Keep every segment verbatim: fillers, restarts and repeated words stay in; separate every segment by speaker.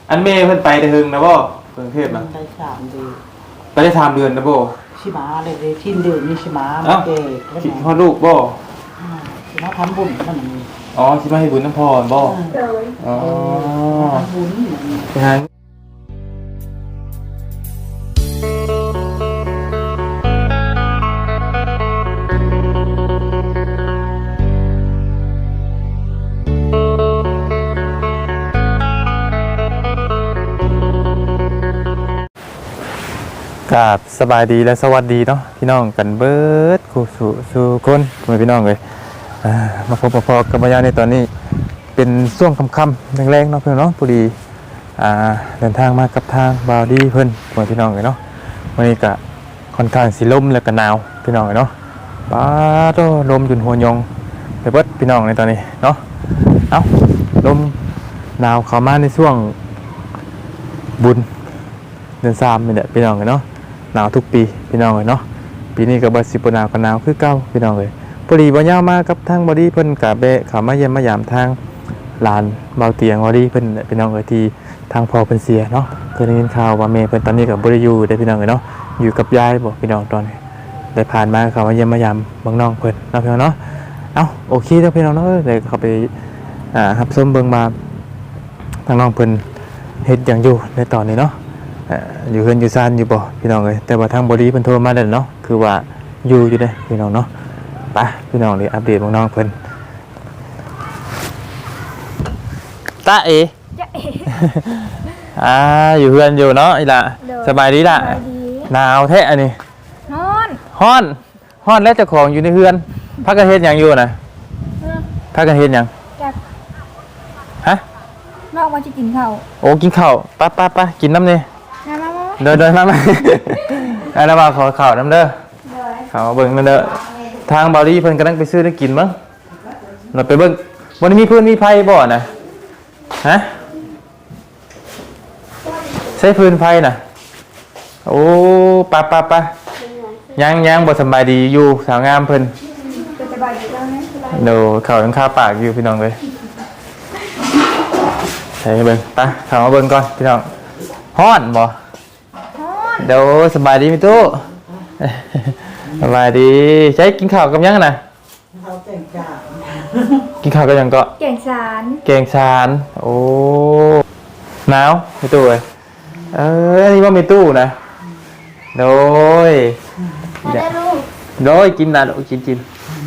Speaker 1: อันเมย์เพิ่นไปแต่หึงนะบ่กรุงเทพนะ
Speaker 2: ได้สามเดือน
Speaker 1: ไปได้สามเดือนนะบ่
Speaker 2: ชิมาเลยเลยทิ้นเดือนนี่ชิมา
Speaker 1: เอ้า
Speaker 2: เด็ก
Speaker 1: คิดฮอดลูกบ่
Speaker 2: ชิมาทำบุญมันนี่
Speaker 1: อ๋อสิมาให้บุญน้ำพรบ่อ๋อ
Speaker 2: ทำบุญ
Speaker 1: ไปหากราบสบายดีและสวัสดีเนาะพี่น้องกันเบิดคู่สู่สู่คนคุณพี่น้องเลยมาพบมาพอกับมายาในตอนนี้เป็นช่วงค่ำๆแรงๆเนาะพี่น้องพอดีเดินทางมากับทางบาวดี้เพิ่นคุณพี่น้องเลยเนาะวันนี้ก็ค่อนข้างสิลมและก็หนาวพี่น้องเลยเนาะบ้าโตลมจนหัวยงไปเบิดพี่น้องในตอนนี้เนาะเอ้าลมหนาวเข้ามาในช่วงบุญเดือนสามนี่แหละพี่น้องเลยเนาะหนาวทุกปีพี่น้องเลยเนาะปีนี้ก็บ่สิบ่หนาวก็หนาวคือเก่าพี่น้องเลยพอดีบ่ยาวมากับทางบอดี้เพิ่นก็แบะเข้ามาเยี่ยมมายามทางลานเบาเตียงบอดี้เพิ่นพี่น้องเอ้ยที่ทางพ่อเพิ่นเสียเนาะเคยได้ยินข่าวว่าแม่เพิ่นตอนนี้ก็บ่ได้อยู่ได้พี่น้องเอ้ยเนาะอยู่กับยายบ่พี่น้องตอนนี้ได้ผ่านมาเข้ามาเยี่ยมมายามเบิ่งน้องเพิ่นเนาะพี่น้องเนาะเอ้าโอเคเด้อพี่น้องเนาะเดี๋ยวเข้าไปอ่ารับชมเบิ่งมาทางน้องเพิ่นเฮ็ดหยังอยู่ในตอนนี้เนาะอยู่เฮือนอยู่ซ่านอยู่บ่พี่น้องเอ้ยแต่ว่าทางบอดี้เพิ่นโทรมาแล้วเนาะคือว่าอยู่อยู่เด้พี่น้องเนาะไปพี่น้องเลยอัปเดตน้องเพิ่นตาเอจ้าเออ่าอยู่เฮือนอยู่เนาะอีล่ะสบายดีล่ะหนาวแท้อันนี้ฮ้อนฮ้อนฮ้อนแล้วเจ้าของอยู่ในเฮือนพักกันเฮ็ดหยังอยู่น่ะพักกันเฮ็ดหยังฮะ
Speaker 3: นอกว่าจะกินข้าว
Speaker 1: โอ้กินข้าวไปไปไปกินน้ำนี่เดินเดินมาไหมไอ้ระบาขอข้าวน้ำเด้อข้าวเบิ่งนั่นเด้อทางบาลีเพิ่นกำลังไปซื้อได้กินมั้งเราไปเบิ่งวันนี้มีเพื่อนมีไฟบ่นะฮะใช้พื้นไฟน่ะโอ้ปะปะปะยังยังบ่สบายดีอยู่สาวงามเพิ่นสบายดีแล้วนะเดี๋ยวข้าวยังคาปากอยู่พี่น้องเลยใช่เบิ่งไปข้าวมาเบิ่งก่อนพี่น้องฮ้อนบ่เดี๋ยวสบายดีมิตู้สบายดีใช้กินข้าวกับยังน่ะกินข้าวกับยังก็
Speaker 3: แกงสาร
Speaker 1: แกงสารโอ้หนาวมิตู้เอ้ยเอออันนี้ว่ามิตู้นะโดยโดยกินนะโดยกินกิน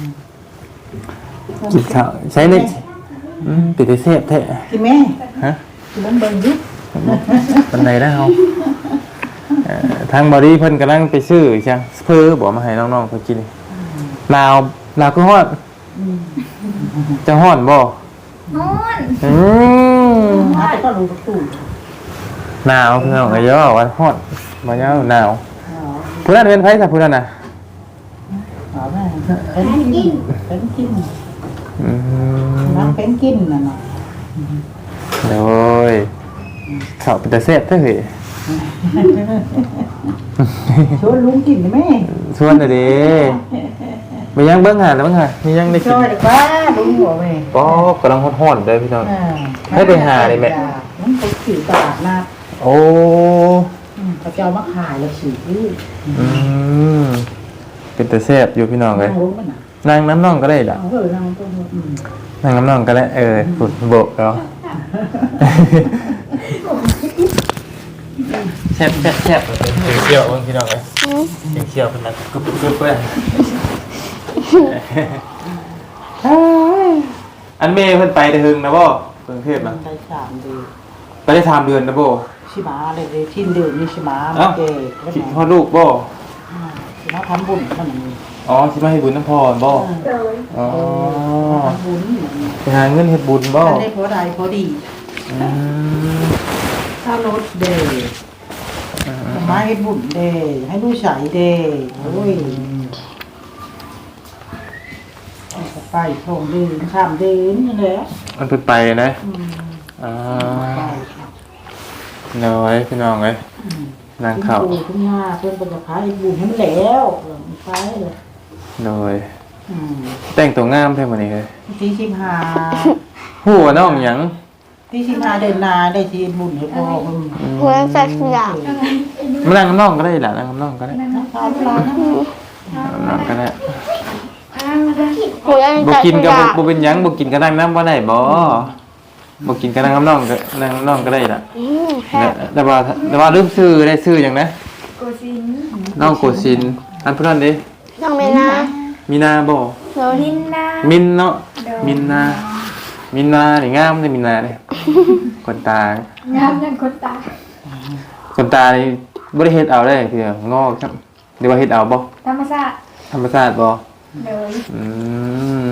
Speaker 1: กินข้าวใช้ในติดเทปแท้
Speaker 2: กินแม่
Speaker 1: ฮะ
Speaker 2: กินน้ำเบิ่งยุบ
Speaker 1: ปันไหนได้เอาทางบอดี้เพิ่นกำลังไปซื้อจังเพื่อบอกมาให้น้องๆเพิ่นกินลาวลาวคือฮ้อนจะฮ้อนบ่
Speaker 3: ฮ้อน
Speaker 1: อืม
Speaker 2: มาแต่ก็รู้ตู้
Speaker 1: หนาวเพิ่นก็เยอะว่าฮ้อนบ่ยาวหนาวผู้นั้นเป็นไผซะผู้นั้นน่ะ
Speaker 2: อ๋อแม่เป็นกินเป็นกิน
Speaker 1: อืม
Speaker 2: น้ำเป็นกินน่ะเนาะ
Speaker 1: โดยข้าวเป็นตาแซ่บแท้เฮ้ย
Speaker 2: ชวนลุงกินไหม
Speaker 1: ชวนเลยดิมียังเบิ้งหาแล้วเบิ้งหามียังได้กิน
Speaker 2: ช่วยดีกว่าลุงหัวแม่
Speaker 1: ก็กำลังฮ้อนๆเลยพี่น้องให้ไปหาเลยแม่
Speaker 2: มันไปขี่ตลาดนัด
Speaker 1: โอ้
Speaker 2: เขาจะเอามาขายแล้วฉีด
Speaker 1: อืมเป็นแต่แซ่บอยู่พี่น้องเลยนั่งน้ำน่องก็ได้ล่ะนั่งน้ำน่องก็ได้เออฝุ่นโบกแล้วแซ่บแซ่บแซ่บเชี่ยวเบิ้งพี่น้องเลยเชี่ยวเป็นนักกึบกึบเพื่อนอันเมย์เพิ่นไปแต่หึงนะบ่กรุงเทพนะ
Speaker 2: ได้สามเดือน
Speaker 1: ไปได้สามเดือนนะบ่
Speaker 2: ชิมาเลยเลยทิ้นเดือนนี่ชิมาเด็ก
Speaker 1: คิดฮอดลูกบ่
Speaker 2: ชิมาทำบุญมันนี่
Speaker 1: อ๋อสิมาให้บุญน้ำพรบ่อ๋อ
Speaker 2: ทำบุญ
Speaker 1: ไปหาเงินเฮ็ดบุญบ่
Speaker 2: ได้พอได้พอดี
Speaker 1: อืม
Speaker 2: ถ้ารถเดย์มาให้บุญเดย์ให้ลูกชายเดย์โอ้ยไปทงเดินข้ามเดินนี่แหละ
Speaker 1: มันเพิ่นไปนะอ๋อน้อยพี่น้องเอ้ยนางข้าว
Speaker 2: คุณย่าเพิ่นบ่จะพาให้บุญให้แล้วไปเลย
Speaker 1: น้อยแต่งตัวงามแท้มื้อนี้เอ้ย
Speaker 2: ที่สิบห้า
Speaker 1: ฮู้ว่าน้องหยัง
Speaker 2: ที่ที่มาเดินนาได้ที่บุญให้พ่อเพิ่น
Speaker 4: เหมือนสัตว์อย่าง
Speaker 1: มานั่งกับน้องก็ได้ล่ะนั่งกับน้องก็ได้
Speaker 2: พาเวลานะ
Speaker 1: นั่งก็ได้
Speaker 4: เหมือน
Speaker 1: บ่
Speaker 4: สัตว์
Speaker 1: กิน
Speaker 4: อ
Speaker 1: ก็บ่
Speaker 4: ย่าง
Speaker 1: บ่เป็นหยังบ่กินก็นั่งน้ำบ่ได้บ่บ่กินก็นั่งกับน้องก็นั่งกับน้องก็ได้ล่ะ
Speaker 4: อืม
Speaker 1: แต่แต่ว่าแต่ว่าลืมซื้อได้ซื้อหยังนะ
Speaker 3: โกซิน
Speaker 1: น้องโกสินอันเพิ่นนั่นเด้
Speaker 4: น้องเมนา
Speaker 1: มีนาบ่
Speaker 4: โดย
Speaker 3: มินนา
Speaker 1: มินเนาะมินนามินนานี่งามเด้มินนาเด้คนตาง
Speaker 3: ามนั่นคนตา
Speaker 1: คนตานี่บ่ได้เฮ็ดเอาได้คืองอกครับหรือว่าเฮ็ดเอาบ่
Speaker 3: ธรรมชาติ
Speaker 1: ธรรมชาติบ่
Speaker 3: เลย
Speaker 1: อืม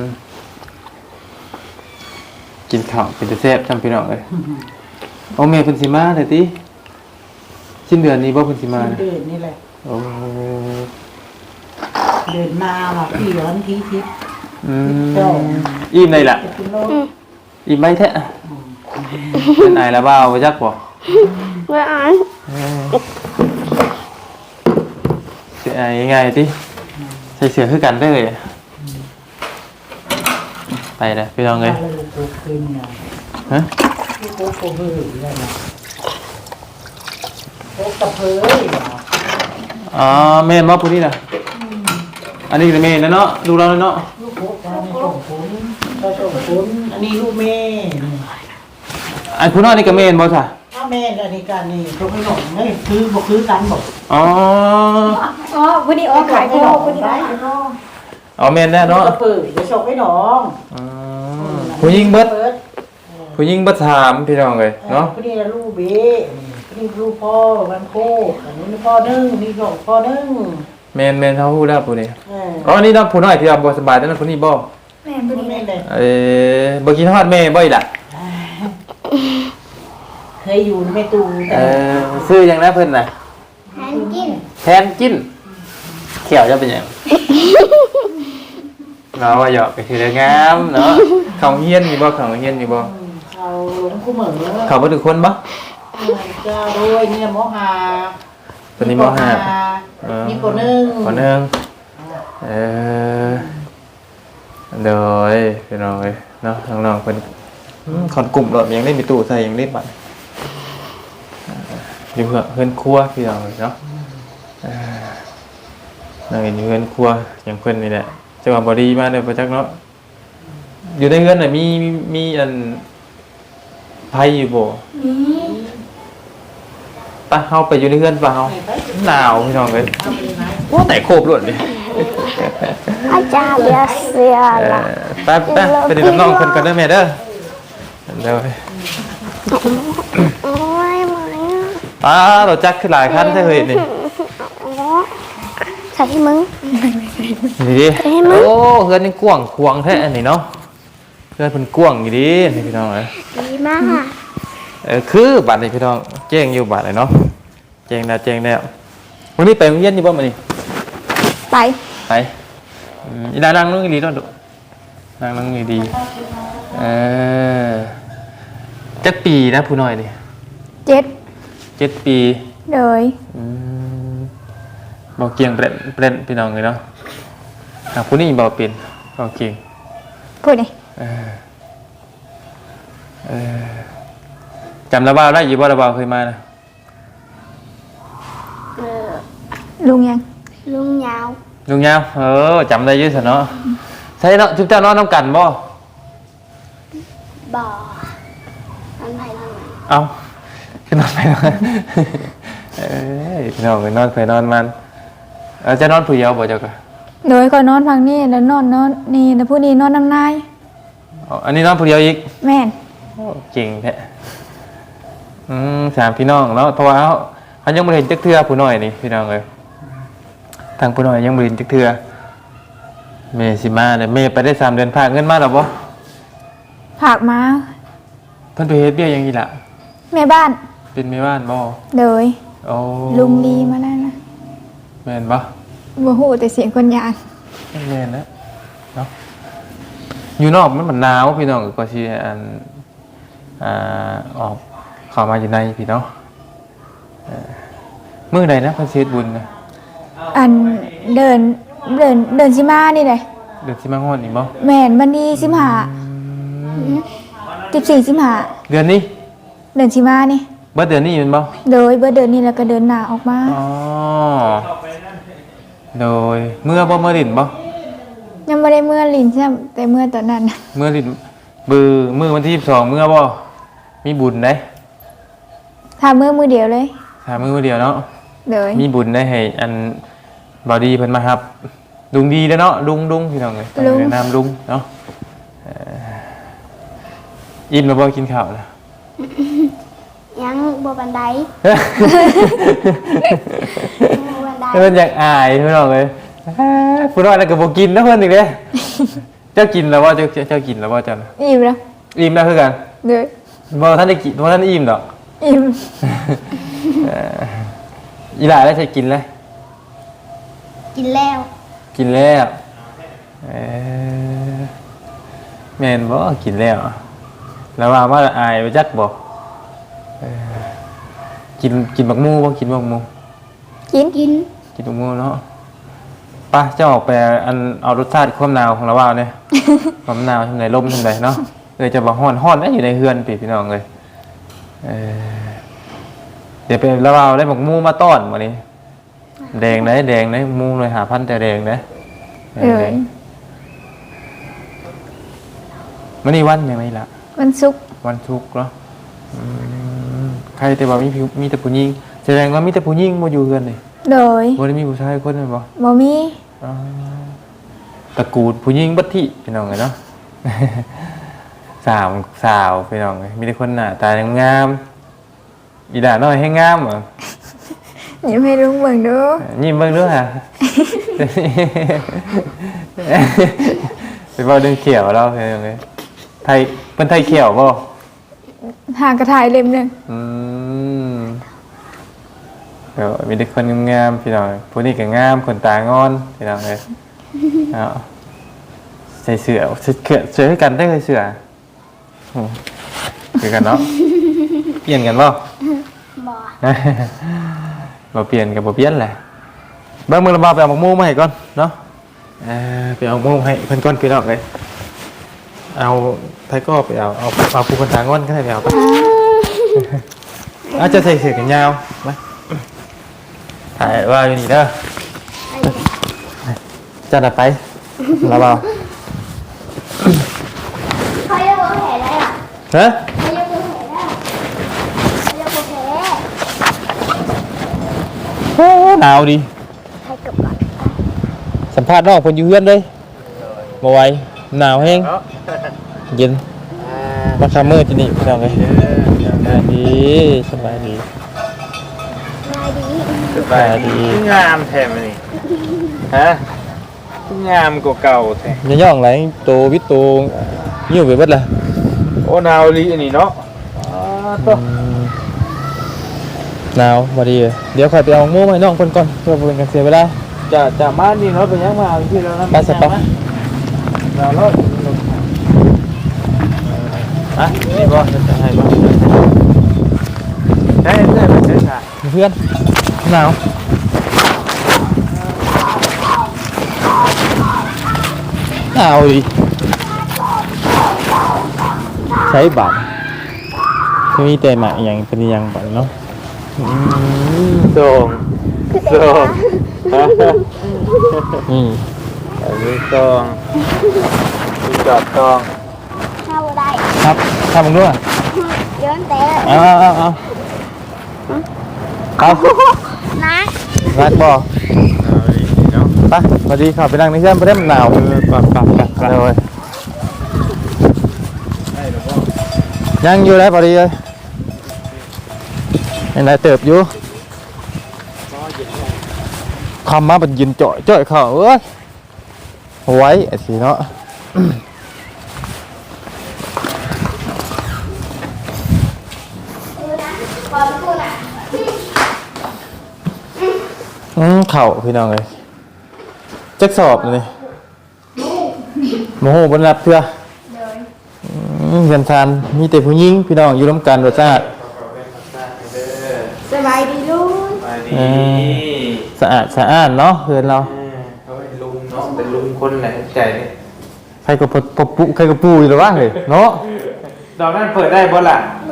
Speaker 1: กินข้าวเป็นแต่แซ่บจำพี่น้องเลยโอ้แม่เพิ่นสิมาได้ติสิ้นเดือนนี้บ่เพิ่นสิมานะ
Speaker 2: เดินนี่แหละ
Speaker 1: โอ้
Speaker 2: เดินนาว่ะพี่ร้อนทีทิพย์
Speaker 1: อืมอิ่มได้ล่ะ
Speaker 2: จะกินโลก
Speaker 1: อิ่มไหมแท้เป็นไอแล้วบ่าวบ่จักบ่
Speaker 4: เมื่ออ่าน
Speaker 1: สิไอง่ายติใส่เสื้อคือกันเด้อไปเด้อพี่น้องเอ้ย
Speaker 2: อะไรลูกโป่งคืนเนี่ย
Speaker 1: ฮะ
Speaker 2: ลูกโป่งโป่งเฮ้ยอะไรนะโป่งกระเพยว่ะ
Speaker 1: อ๋อแม่นบ่ผู้นี้น่ะอันนี้ก็แม่นแล้วเนาะลูกเราเนาะ
Speaker 2: ลูกโป่งเราไม่ส่งผลเราส่งผลอันนี้ลูกแม่นี่
Speaker 1: อันผู้น้อยนี่ก็แม่นบ่ซะ
Speaker 2: ถ้าแม่อันนี้การนี่ตรงให้หน่อยไม่คือบอกคือกันบอก
Speaker 1: อ๋อ
Speaker 3: อ๋อวันนี้อ๋อขายโควันนี้อ๋อขายโค
Speaker 1: อ๋อแม่นแน่เนาะ
Speaker 2: กระเปิดจะส่งให้น้อง
Speaker 1: อ๋อผู้หญิงเบิดผู้หญิงเบิดถามพี่น้องเอ้ยเนาะ
Speaker 2: คนนี้ลูกเบ้คนนี้ลูกพ่อวันโคอันนี้พ่อนึ่งนี่น้องพ่อนึ่ง
Speaker 1: แม่นแม่นเฮาฮู้แล้วผู้นี้
Speaker 2: เออ
Speaker 1: อ๋อนี่น้องผู้น้อยที่ว่าบ่สบายนั่นผู้นี้บ่
Speaker 3: แม่วันนี้
Speaker 2: แม่เลย
Speaker 1: เอ้บ่กินฮอดแม่บ่อีล่ะ
Speaker 2: เคยอยู่ในตู้
Speaker 1: เออซื้อหยังนะเพิ่นน่ะ
Speaker 4: แทนกิน
Speaker 1: แทนกินเขียวจะเป็นหยังเนาะว่าหยอกก็คือได้งามเนาะเขาเฮียนมีบ่เขาเฮียนมีบ่
Speaker 2: เขาหลงคู่เหมือน
Speaker 1: เขาบ่ทุกคนบ่
Speaker 2: จะด้วยเนี่ยมอหา
Speaker 1: ตัวนี้มห้า
Speaker 2: มีคนหนึ่ง
Speaker 1: คนหนึงเออเด้อพี่น้องเอ้ยเนาะน้องๆเพิ่นอืมขอนกลุ่มรถยังได้มีตู้ใส่ยังได้บัตรอยู่เพื่อเฮือนครัวพี่น้องเอ้ยเนาะเออนั่งอยู่เฮือนครัวอย่างเพิ่นนี่แหละจังหวะบ่ดีมาเด้อบ่จักเนาะอยู่ในเฮือนน่ะมีมีมีอันไผอยู่บ่
Speaker 3: นี่
Speaker 1: ปะเฮาไปอยู่ในเฮือนปะเฮาหนาวพี่น้องเอ้ยโอ้ไหนโคบรวดดิ
Speaker 4: อาจารย์เบียร์เสีย
Speaker 1: เอ
Speaker 4: ละ
Speaker 1: อไปไปไปดินน้องเพิ่นกันเด้อแม่เด้อเด้อ
Speaker 4: โอ้ยเหมือน
Speaker 1: ป้ารถจักรขึ้นหลายคันแท้เฮ้ยนี่
Speaker 4: ใส่ให้มึง
Speaker 1: นี่ดิโอ้เฮือนนี่กว้างขวางแท้อันนี้เนาะเฮือนเพิ่นกว้างอยู่ดินี่พี่น้องเอ้ย
Speaker 4: ดีมาก
Speaker 1: เออคือบัดนี้พี่น้องแจ้งอยู่บัดเลยเนาะแจ้งแล้วแจ้งแล้ววันนี้ไปโรงเรียนอยู่บ่มื้อนี้
Speaker 3: ไป
Speaker 1: ไปอืมอีดานั่งนั่งดีๆเนาะดุนั่งนั่งดีๆเออจักปีนะผู้น้อยนี่
Speaker 3: เจ็ด
Speaker 1: เจ็ดปี
Speaker 3: เลย
Speaker 1: อืมบ่เกียงเปรนเปรนพี่น้องเลยเนาะหากผู้นี้บ่เป็นบ่เกียง
Speaker 3: พูดนี่
Speaker 1: เออเออจำระบาวได้อยู่บ่ระบาวเคยมานะ
Speaker 4: เออ
Speaker 3: ลุงยัง
Speaker 4: ลุงยาว
Speaker 1: ลุงยาวเออจำได้อยืดสิเนาะใช่เนาะจุ๊บเจ้านอนน้ำกันบ่
Speaker 4: บ่ออันไผ่ทางไหน
Speaker 1: เอาคือนอนไปนอนเอ้ยพี่น้องไปนอนไปนอนมันเออจะนอนผู้เดียวบ่เจ้าก็
Speaker 3: โดยก่อนนอนฟังนี่แล้วนอนนอนนี่แล้วผู้นี้นอนน้ำนาย
Speaker 1: อ๋ออันนี้นอนผู้เดียวอีก
Speaker 3: แม่น
Speaker 1: โอ้เก่งแท้อืมสามพี่น้องเนาะเพราะว่าเขาเขายังบ่ได้เห็นจักเทื่อผู้น้อยนี่พี่น้องเอ้ยทางผู้น้อยยังบ่ได้เห็นจักเทื่อแม่สิมาเนี่ยแม่ไปได้สามเดือนพากเงินมาแล้วบ่
Speaker 3: ผากมา
Speaker 1: เพิ่นไปเฮ็ดเบี้ยหยังอีหล่ะ
Speaker 3: แม่บ้าน
Speaker 1: เป็นแม่บ้านบ่
Speaker 3: เลย
Speaker 1: โอ้
Speaker 3: ลุงดีมาแล้วนะ
Speaker 1: แม่นบ่
Speaker 3: บ่ฮู้แต่เสียงคนยาน
Speaker 1: แม่นนะเนาะอยู่นอกมันมันหนาวพี่น้องก็สิอันอ่าออกเข้ามาอยู่ในพี่น้องเอ่อมื้อใดนะเพิ่นสิเฮ็ดบุญนะ
Speaker 3: อันเดินเดินเดินสิมานี่แหละ
Speaker 1: เดือนสิมาฮอดนี่บ่
Speaker 3: แม่นบันดีสิบห้าสิบสี่สิบห้า
Speaker 1: เดือนนี้
Speaker 3: เดือนสิมานี่
Speaker 1: เบิดเดือนนี้แม่นบ่
Speaker 3: โดยเบิดเดือนนี้แล้วก็เดือนหน้าออกมา
Speaker 1: อ๋อโดยเมื่อบ่เมื่อดินบ่
Speaker 3: ยังบ่ได้เมื่อลิ้นใช่แต่เมื่อตอนนั้นน่ะ
Speaker 1: เมื่อดินบือมื้อวันที่ยี่สิบสองเมื่อบ่มีบุญได้
Speaker 3: ถ้าเมื่อมือเดียวเลย
Speaker 1: ถ้ามื้อเดียวเนาะ
Speaker 3: โดย
Speaker 1: มีบุญได้ให้อันบอดีเพิ่นมาครับลุงดีแล้วเนาะลุงลุงพี่น้องเอ้ยต้องแนะนำลุงเนาะเอ่ออิ่มแล้วบ่กินข้าวแล้ว
Speaker 4: ยังบัวบันไดบัวบันได
Speaker 1: เพิ่นอยากอายพี่น้องเอ้ยผู้น้อยแล้วก็บ่กินนะเพิ่นอีกเด้เจ้ากินแล้วบ่เจ้าเจ้ากินแล้วบ่เจ้าน่ะ
Speaker 3: อิ่มแล้ว
Speaker 1: อิ่มแล้วคือกัน
Speaker 3: โดย
Speaker 1: บ่ทันได้กินบ่ทันได้อิ่มดอก
Speaker 3: อิ่ม
Speaker 1: เอ่ออีหลาได้ใช้กินแล้ว
Speaker 4: กินแล้ว
Speaker 1: กินแล้วเออแม่นบ่กินแล้วแล้วว่าว่าอายไปจักบ่เออกินกินบักมูบ่กินบักมู
Speaker 3: กิน
Speaker 4: กิน
Speaker 1: กินบักมูเนาะไป่ะจะออกไปอันเอารสชาติความหนาวของเราว่าเนี่ย ความหนาวทำไหนลมทำไหนเนาะเลยจะบอกฮ้อนฮ้อนได้อยู่ในเฮือนพี่พี่น้องเลยเออเดี๋ยวไปแล้วเอาได้บักมูมาต้อนมานี้แดงได้แดงได้มูเลยหาพันแต่แดงได้
Speaker 3: เอ้ย
Speaker 1: มันนี่วันยังไงล่ะ
Speaker 3: วันศุกร์
Speaker 1: วันทุกข์เนาะอืมใครแต่ว่ามีผิวมีแต่ผู้หญิงแสดงว่ามีแต่ผู้หญิงมาอยู่เฮือนเลย
Speaker 3: โดย
Speaker 1: บ่ได้มีผู้ชายคนนึงบ่
Speaker 3: บ่มี
Speaker 1: อ๋อตระกูลผู้หญิงบัดที่พี่น้องเลยเนาะ สาวสาวพี่น้องเลยมีแต่คนหน้าตางามๆอีด่าน้อยให้งามเหรอ
Speaker 3: อย่าให้ลุงเบิ่งดู
Speaker 1: ยิ้มเบิ่งด้วยอ่ะ ไปเว้าเรื่องเขียวเราพี่น้องเลยไทยเป็นไทยเขียวบ่
Speaker 3: หากระถ่ายเล่มหนึง
Speaker 1: อืมเดี๋ยวมีแต่คนงามๆพี่น้องผู้นี้ก็งามคนตางอนพี่น้องเลยเอาใส่เสื้อเสื้อเสื้อให้กันได้เลยเสื้ออืมคือกันเนาะเปลี่ยนกันบ่
Speaker 4: บ่
Speaker 1: บ่เปลี่ยนกับบ่เปลี่ยนแหละเบิ่งมือระบาไปเอาหมกมูมาให้ก่อนเนาะเออไปเอาหมกมูให้เพิ่นก่อนพี่น้องเลยเอาไทยก็ไปเอาเอาเอาผู้คนตางอนก็ได้ไปเอาไปอาจจะใส่เสื้อกันยาวมาถ่ายว่าอยู่นี่เด้อจัดไประบา
Speaker 4: เขาจะบัวแผลได้อ่ะ
Speaker 1: ฮะ
Speaker 4: เขาจะบัวแผลได้เขาจะบัวแผล
Speaker 1: โอ้หนาวดิ
Speaker 4: ให้เกับก่อน
Speaker 1: สัมภาษณ์น้องคนอยู่เฮือนเลยบ่ไหวหนาวแห้งเย็นมาซัมเมอร์ที่นี่พี่น้องเอ้ยสบายดีสบายดี
Speaker 4: ง่ายดี
Speaker 1: สบายดี
Speaker 5: งามแท้มันนี่ฮะงามกว่าเก่าแท้
Speaker 1: อย่าย่องไหลโตวิตโตยิ้วไปเบิดล่ะ
Speaker 5: โอ้นาวลีอันนี้เนาะอ๋อตัว
Speaker 1: หนาวบ่ดีเลยเดี๋ยวค่อยไปเอาหมูมาให้น้องเพิ่นก่อนเพื่อบ่เป็นการเสียเวลา
Speaker 5: จะจะมานี่เนาะเป็นยังมาเอาที่เรานั่น
Speaker 1: ไปสิไป
Speaker 5: เราเนาะฮะนี่บ่จะให้บ่ได้ได้ไปใช้ค่ะ
Speaker 1: เพื่อนหนาวหนาวดิใช้บัตรมีแต่หมาอย่างเป็นอยังบัตรเนาะ
Speaker 5: ส่งส่ง
Speaker 1: นี่
Speaker 5: อันนี้ส่งมีจอดส่ง
Speaker 4: เข้าได้
Speaker 1: ครับทำมึงด้วย
Speaker 4: ย้อนแต่
Speaker 1: เอาเอาเอาเอาครับ
Speaker 4: นะ
Speaker 1: รักบ่
Speaker 5: เอาดีเนาะ
Speaker 1: ไปสวัสดีครับไปนั่งในเชื่อมไปเล่นหนาว
Speaker 5: เออปับปับปับปับ
Speaker 1: เลย
Speaker 5: ได้หรือบ่
Speaker 1: ยังอยู่แล้วพอดีเลยยังไงเติบอยู่คำมาเป็นยินจ่อยจ่อยเขาเอ้ยไว้ไอ้สิเนาะ
Speaker 4: ขอพูดอ่ะ
Speaker 1: อืมเข่าพี่น้องเลยจักสอบเลยโมโหบนรับเพื่ออืมเงินทานมีแต่ผู้หญิงพี่น้องอยู่ร่วมกันรสชาติ
Speaker 2: สบายดีลูก
Speaker 5: ไปดี
Speaker 1: เออ สะอาดสะอ้านเนาะเพื่อนเรา
Speaker 5: เขาเป็นลุงเนาะเป็นลุงคนแหละใจนี่
Speaker 1: ใครก็ปะปะปุใครก็ปูอยู่หรือวะเฮ้ยเนาะ
Speaker 5: ดอกนั้นเปิดได้บ่ล่ะ
Speaker 4: ไ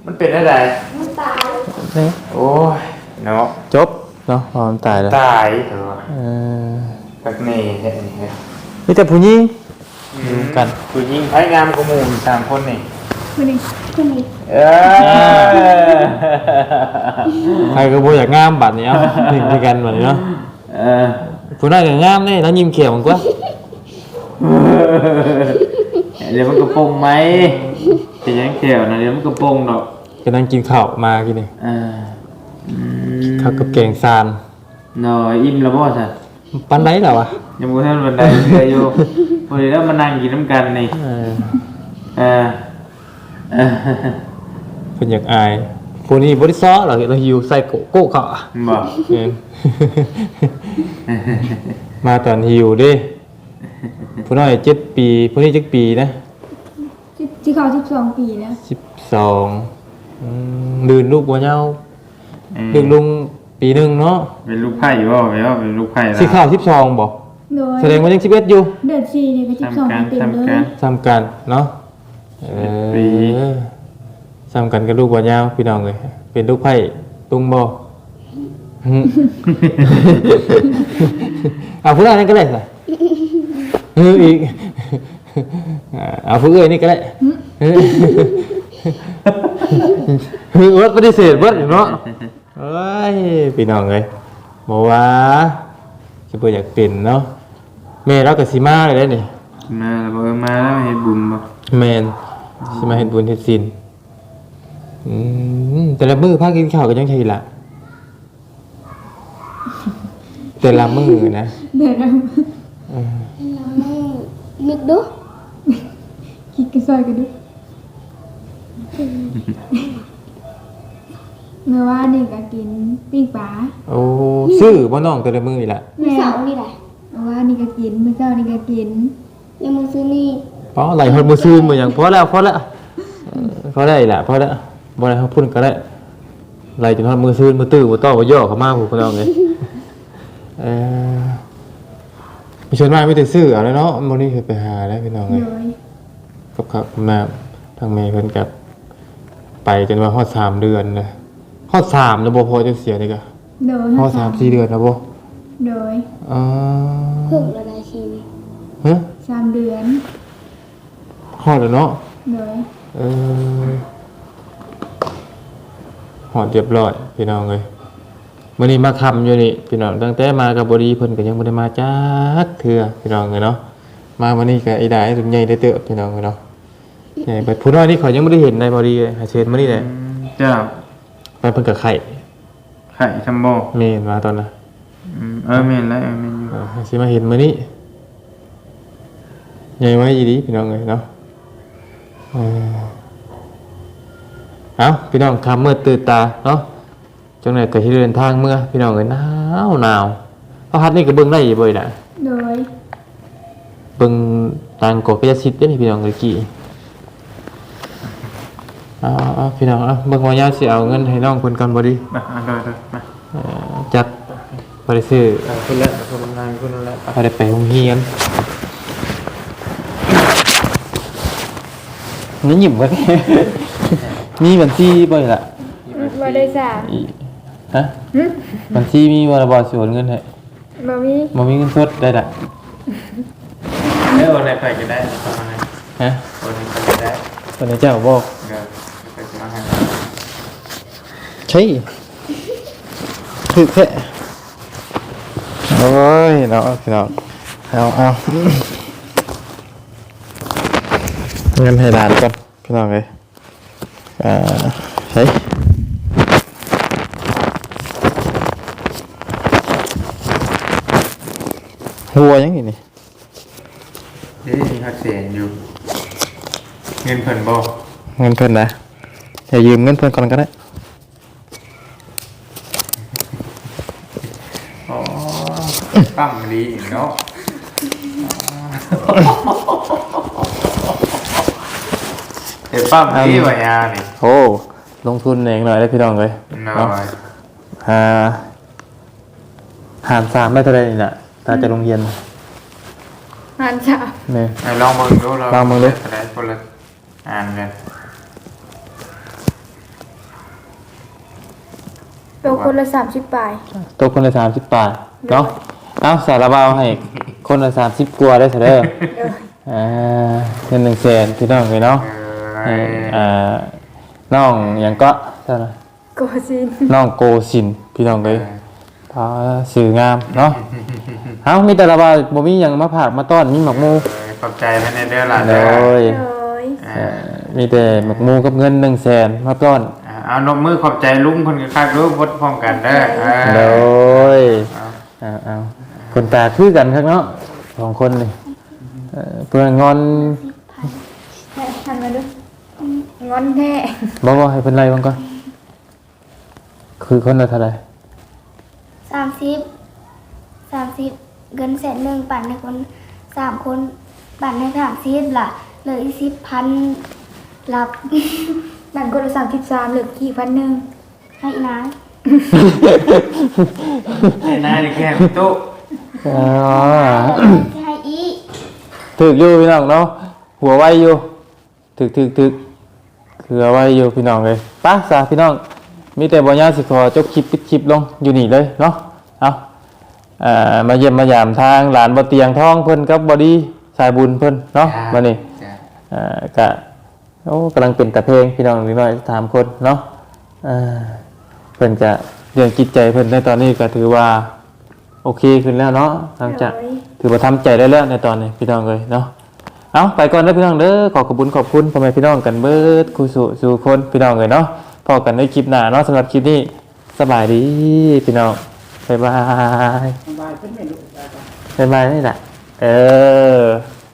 Speaker 5: มันเป็นอะไร
Speaker 4: มันตาย
Speaker 1: นี่
Speaker 5: โอ้ยเนาะ
Speaker 1: จบเนาะพอมันตายแล้ว
Speaker 5: ตายเถอะ
Speaker 1: เออ
Speaker 5: ตักนี่เห็นไหม
Speaker 1: มีแต่ผู้หญิง
Speaker 5: อยู่กันผู้หญิงไพ่งามกว่าหมู่สามคนนี่
Speaker 3: คนนี้คนนี้
Speaker 5: เออ
Speaker 1: ใครก็บ่อยากงามบัดนี้เอ้าถึงกันบัดนี้เนาะ
Speaker 5: เออ
Speaker 1: ผู้นั้นก็งามนี่แล้วยิ้มเขียวมันกว่า
Speaker 5: เดี๋ยวมันกระโปงไหมจะยังเขียวนะเดี๋ยวมันกระโปงดอก
Speaker 1: กำลังกินข้าวมากินนี่
Speaker 5: เอออืม
Speaker 1: ข้าวกับแกงซาน
Speaker 5: หน่อยอิ่มแล้วบ่สัตว์
Speaker 1: ปันไดแล้ววะ
Speaker 5: ยังบ่ทันบันไดเรืออยู่พอดีแล้วมานั่งกินน้ำกันนี่
Speaker 1: เออ
Speaker 5: เออเออ
Speaker 1: เพิ่นอยากอายผู้นี้บ่ได้ซ้อหรอกเราหิวใส่โกโก้เขาอะ
Speaker 5: บ่
Speaker 1: เออ มาตอนหิวเด้ผู้น้อยเจ็ดปีผู้นี้เจ็ดปีนะ
Speaker 3: ที่เขาสิบสองปีแล้ว
Speaker 1: สิบสองอืมลื่นลูกบ่เหย้า
Speaker 5: เออ
Speaker 1: ลื่นลุงปีหนึงเนาะ
Speaker 5: เป็นลูกไผ่บ่ไปว่าเป็นลูกไผ่ละ
Speaker 1: สิเข้าวสิบสองบ่
Speaker 3: โดย
Speaker 1: แสดงว่ายังสิบเอ็ดอยู่
Speaker 3: เดือนสี่เนี่ยก็สิบสอง
Speaker 5: ทำการ
Speaker 3: ปีเต็มเล
Speaker 5: ทำการ
Speaker 3: ย
Speaker 1: ซ้ำกันเนาะเอ
Speaker 5: ปี
Speaker 1: อซ้ำกันกับลูกบ่เหย้าพี่น้องเอ้ยเป็นลูกไผ่ตุงบ่ หึ เอาผู้นั้นก็ได้สิเอออีกเอาผู้เอ้ยนี่ก็ได้เออเออวัดปฏิเสธวัดเนาะเอ้ยพี่น้องเอ้ยบอกว่าสิบ่อยากเป็นเนาะแม่เราก็สิมาเลยได้นี่
Speaker 5: มาแล้วบ่เออมาแล้วเฮ็ดบุญบ่
Speaker 1: แม่นสิมาเฮ็ดบุญเฮ็ดศีลอืมแต่ละมื้อพากินข้าวก็ยังใช่ล่ะแต่ละมื้อนะ
Speaker 3: เดือนละ
Speaker 1: เออ
Speaker 4: เราไม่นึกดู
Speaker 3: คิดกันซอยกันดูเมื่อวานนี่ก็กินปิ้งปลา
Speaker 1: โอ้ซื้อบ่น้องแต่ละมื้อนี่ล่ะ
Speaker 4: มีเสานี่แหละ
Speaker 3: เมื่อวานนี่ก็กินเมื่อเช้านี่ก็กิน
Speaker 4: ยังมึงซื้อนี่
Speaker 1: อ๋อไหลฮอดมื้อซื่นมื้อหยังพอแล้วพอแล้วเออพอได้ล่ะพอแล้วบ่ได้เฮาพูดก็ได้ไหลจนฮอดมื้อซื่นมื้อตื้อบ่ต้อบ่ย่อเข้ามาผู้พี่น้องเอ้ยเออมีชวนมามีแต่ซื้อเอาแล้วเนาะมื้อนี้คือไปหาแล้วพี่น้อง
Speaker 3: โด
Speaker 1: เอ้ย
Speaker 3: ย
Speaker 1: กับข้าวกับน้ำทางแม่เพิ่นก็ไปจนว่าฮอดสามเดือนนะฮอดสามแล้วบ่พอจะเสียนี่ก็
Speaker 3: โดย
Speaker 1: ฮอดสามสี่เดือนแล้วบ่
Speaker 3: โดย
Speaker 1: อ๋อ
Speaker 4: เพิ่งระดับชีวิต
Speaker 1: ฮะ
Speaker 3: สามเดือน
Speaker 1: ฮอดแล้วเนาะ
Speaker 3: โดย
Speaker 1: เออหอดเรียบร้อยพี่น้องเลยมื้อนี้มาคำอยู่นี่พี่น้องตั้งแต่มากับบดีเพิ่นก็ยังบ่ได้มาจักเทื่อพี่น้องเลยเนาะมาวันนี้ก็ไอ้ได้รุ่นใหญ่ได้เติบพี่น้องเลยเนาะใหญ่ไปผู้น้อยนี่เขายังบ่ได้เห็นในบดีเลยหาเชิญมานี่แหละ
Speaker 5: อืมเจ้า
Speaker 1: ไปเพิ่นก็ไข่
Speaker 5: ไข่ชัมโบ
Speaker 1: เมนมาตอนน่ะ
Speaker 5: อืมเออแม่นแล้วเออแม่นอยู่
Speaker 1: เออสิมาเห็นมื้อนี้ใหญ่ไว้อีดีพี่น้องเลยเนาะเออเอาพี่น้องคำมืดตื่นตาเนาะจังไหนก็ที่เดินทางเมื่อพี่น้องเอ้ยหนาวหนาวเพราะฮัดนี่ก็เบิ่งได้อยู่บ่อยน่ะ
Speaker 3: โดย
Speaker 1: เบิ่งต่างกอกกระยาสิทธิ์เด้อนี่พี่น้องเอ้ยกี่เอาเอาพี่น้องเอาเบิ่งว่ายาสิเอาเงินให้น้องเพิ่นก่อนบ่ดี
Speaker 5: มาเอาเลยเลยมา
Speaker 1: เอ่อจักบ่ได้ซื้อ
Speaker 5: เอาคุณละคุณละนายคุณละ
Speaker 1: บ่ได้ไปโรงเรียนนี่หยิบบ่ได้ มีบัญชีบ่ล่ะ
Speaker 3: บ่ได้สาม
Speaker 1: อีฮะบัญชีมีบ่ล่ะบ่สิโอนเงินให้
Speaker 3: บ่มี
Speaker 1: บ่มีเงินสดได้ล่ะ
Speaker 5: เออวันไหนไปก็ได้ประมาณนั้น
Speaker 1: ฮะ
Speaker 5: วันไหนไปก็ได้
Speaker 1: ตอนนี้เจ้าบอก
Speaker 5: เดี๋ยวไปสมัครให้
Speaker 1: ใช่ถึกแค่โอ้ยเนาะพี่น้องเอาเอาเงินให้หลานก่อนพี่น้องเลยอ่าใช่หัวยังไงนี่
Speaker 5: เด้มีหักเสียงอยู่ เงินเพิ่นบ่
Speaker 1: เงินเพิ่นนะอย่ายืมเงินเพิ่นก่อนก็ได้
Speaker 5: อ๋อปั้มดีอีกเนาะเดี๋ยวปั้มดีว่ายานี่
Speaker 1: โอ้ลงทุนเองหน่อยได้พี่น้องเลย
Speaker 5: น้อ
Speaker 1: เนาะ
Speaker 5: ย
Speaker 1: หาหารสามได้เท่าไรนี่น่ะตาจะโรงเรียน
Speaker 3: หันสาม
Speaker 1: เนี่ย
Speaker 5: ไหนลองมึงดู
Speaker 1: ลองมึงดู
Speaker 5: อะไรคนละอ่านกัน
Speaker 3: โตคนละสามสิบปลาย
Speaker 1: ตกคนละ30บาทเนาะเอาสารบาวให้คนละ30กว่าได้ซะเด้ออ่าเงินหนึ่งแสนพี่น้องเลยเนาะให้อ่าน้องหยังก็เท่าไหร่
Speaker 3: โกซิน
Speaker 1: น้องโกสินพี่น้องเลยพาสื่องามเนาะเอ้ามีแต่ละบาวบ่มีหยังมาผากมาต้อนมีหมักหมู
Speaker 5: ขอบใจเพิ่นเด้อล่ะ
Speaker 1: โด
Speaker 5: เด้อย
Speaker 3: โดย
Speaker 1: เอ่อมีแต่หมักหมูกับเงินหนึ่งแสนมาต้อน
Speaker 5: เอานมมือขอบใจลุงเพิ่นก็คักรู้พดพร้อมกันเด้อ
Speaker 1: โดยเอาเอาคนตาคือกันครับเนาะสองคนนี่เอ่อเพื่อนงอน
Speaker 3: แม่ทันมาดูงอนแท้
Speaker 1: บอกว่าให้เป็นไรบ้างก่อนคือคนละเท่าไหร
Speaker 4: สามสิบสามสิบเงินแสนหนึ่งปั่นให้คนสามคนปั่นให้สามสิบล่ะเหลืออีกสิบพันหลับ
Speaker 3: แบ่งคนละสามสิบสามเหลือกี่พันหนึ่ง
Speaker 4: ให้นะ
Speaker 5: ไอ้นายนี่แค่ตุ๊
Speaker 1: อ๋อ
Speaker 4: ให้อี
Speaker 1: ถึกอยู่พี่น้องเนาะหัวไวอยู่ถึกถึกถึกคือเอาไว้อยู่พี่น้องเลยไป้าสาพี่น้องมีแต่บอยาสิขอจบคลิปปิดคลิปลงอยู่นี่เลยเนาะเอาอ่ามาเยี่ยมมายามทางหลานบ่เตียงท้องเพิ่นกับบอดี้สายบุญเพิ่นเนาะมานี่อ่ากะโอ้กำลังเป็นตะเพลงพี่น้องนิดหน่อยสามคนเนาะอ่าเพิ่นจะเรื่องจิตใจเพิ่นในตอนนี้ก็ถือว่าโอเคขึ้นแล้วเนาะหลังจากถือว่าทำใจได้แล้วในตอนนี้พี่น้องเลยเนาะเอาไปก่อนเด้อพี่น้องเด้อขอขอบคุณขอบคุณพ่อแม่พี่น้องกันเบิดครูสุสู่คนพี่น้องเลยเนาะพอกันในคลิปหน้าเนาะสำหรับคลิปนี้สบายดีพี่น้องบ๊ายบาย
Speaker 2: สบายขึ้นไหมลูก
Speaker 1: บ๊ายบายนี่แหละเออ